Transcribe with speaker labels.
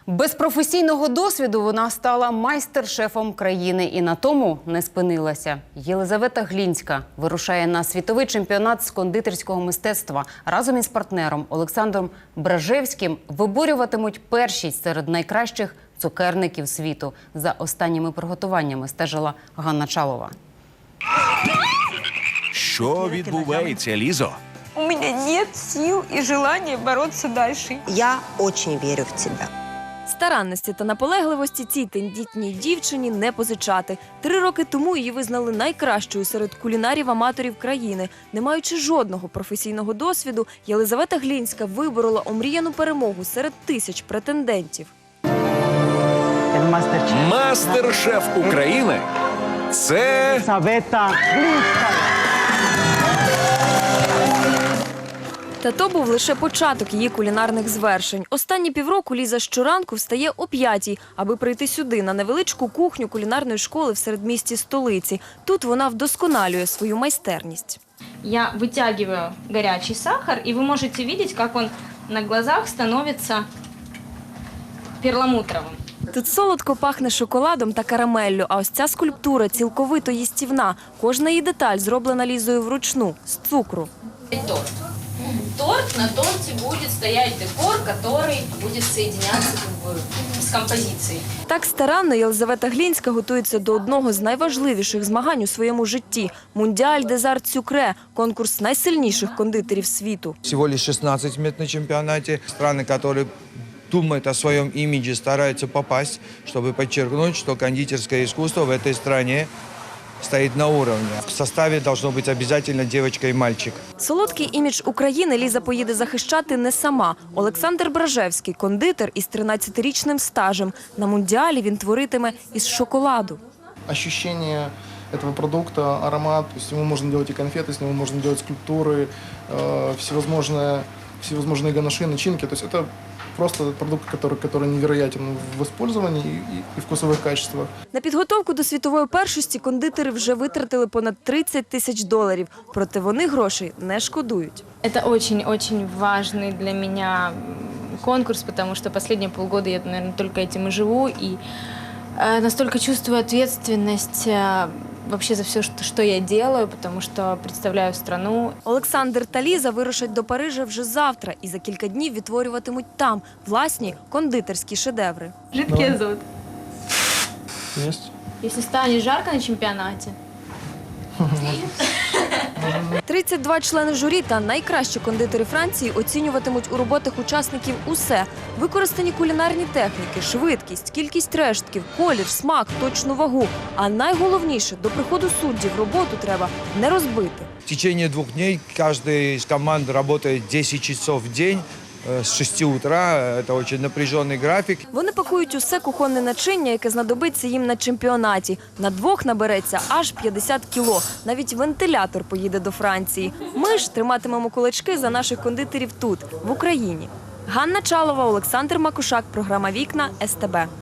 Speaker 1: Без професійного досвіду вона стала майстер-шефом країни і на тому не спинилася. Єлизавета Глінська вирушає на світовий чемпіонат з кондитерського мистецтва. Разом із партнером Олександром Бражевським виборюватимуть першість серед найкращих цукерників світу. За останніми приготуваннями стежила Ганна Чалова.
Speaker 2: Що відбувається, Лізо?
Speaker 3: У меня нет сил и желания бороться дальше.
Speaker 4: Я очень верю в тебя.
Speaker 5: Старанності та наполегливості цій тендітній дівчині не позичати. 3 роки тому її визнали найкращою серед кулінарів-аматорів країни. Не маючи жодного професійного досвіду, Єлизавета Глінська виборола омріяну перемогу серед тисяч претендентів.
Speaker 2: Мастер-шеф України – це
Speaker 6: Єлизавета Глінська.
Speaker 5: Та то був лише початок її кулінарних звершень. Останні півроку Ліза щоранку встає о 5-й, аби прийти сюди, на невеличку кухню кулінарної школи в середмісті столиці. Тут вона вдосконалює свою майстерність.
Speaker 7: Я вытягиваю горячий сахар, и вы можете видеть, как он на глазах становится перламутровым.
Speaker 5: Тут солодко пахне шоколадом та карамеллю, а ось ця скульптура цілковито їстівна. Кожна її деталь зроблена Лізою вручну, з цукру.
Speaker 7: Торт. Торт, на торте будет стоять декор, который будет соединяться с композицией.
Speaker 5: Так старанно Єлизавета Глінська готується до одного з найважливіших змагань у своєму житті – Мундіаль des Arts Sucrés – конкурс найсильніших кондитерів світу.
Speaker 8: Всего лишь 16 мест на чемпионате. Страны, которые думают о своем имидже, стараются попасть, чтобы подчеркнуть, что кондитерское искусство в этой стране стоит на уровне. В составе должно быть обязательно девочка и мальчик.
Speaker 5: Солодкий імідж України Ліза поїде захищати не сама. Олександр Бражевський – кондитер із 13-річним стажем. На Мундіалі він творитиме із шоколаду.
Speaker 9: Ощущение этого продукта, аромат, то есть с него можно делать и конфеты, с него можно делать скульптуры, всевозможные ганаши, начинки. То есть это просто продукт, который невероятен в использовании и вкусовых качествах.
Speaker 5: На підготовку до світової першості кондитери вже витратили понад $30 тисяч. Проте вони грошей не шкодують.
Speaker 7: Это очень-очень важный для меня конкурс, потому что последние полгода я, наверное, только этим и живу, и настолько чувствую ответственность вообще за все, что я делаю, потому что представляю страну.
Speaker 5: Олександр та Ліза вирушать до Парижа вже завтра і за кілька днів відтворюватимуть там власні кондитерські шедеври.
Speaker 7: Жидкий азот.
Speaker 9: Есть.
Speaker 7: Если станет жарко на чемпионате,
Speaker 5: 32 члени журі та найкращі кондитери Франції оцінюватимуть у роботах учасників усе. Використані кулінарні техніки, швидкість, кількість рештків, колір, смак, точну вагу. А найголовніше, до приходу суддів роботу треба не розбити.
Speaker 8: В течение 2 дней каждая из команд работает 10 часов в день с 6 утра. Это очень напряженный график.
Speaker 5: Вони пакують усе кухонне начиння, яке знадобиться їм на чемпіонаті. На 2 набереться аж 50 кіло. Навіть вентилятор поїде до Франції. Ми ж триматимемо кулачки за наших кондитерів тут, в Україні. Ганна Чалова, Олександр Макушак, програма «Вікна», СТБ.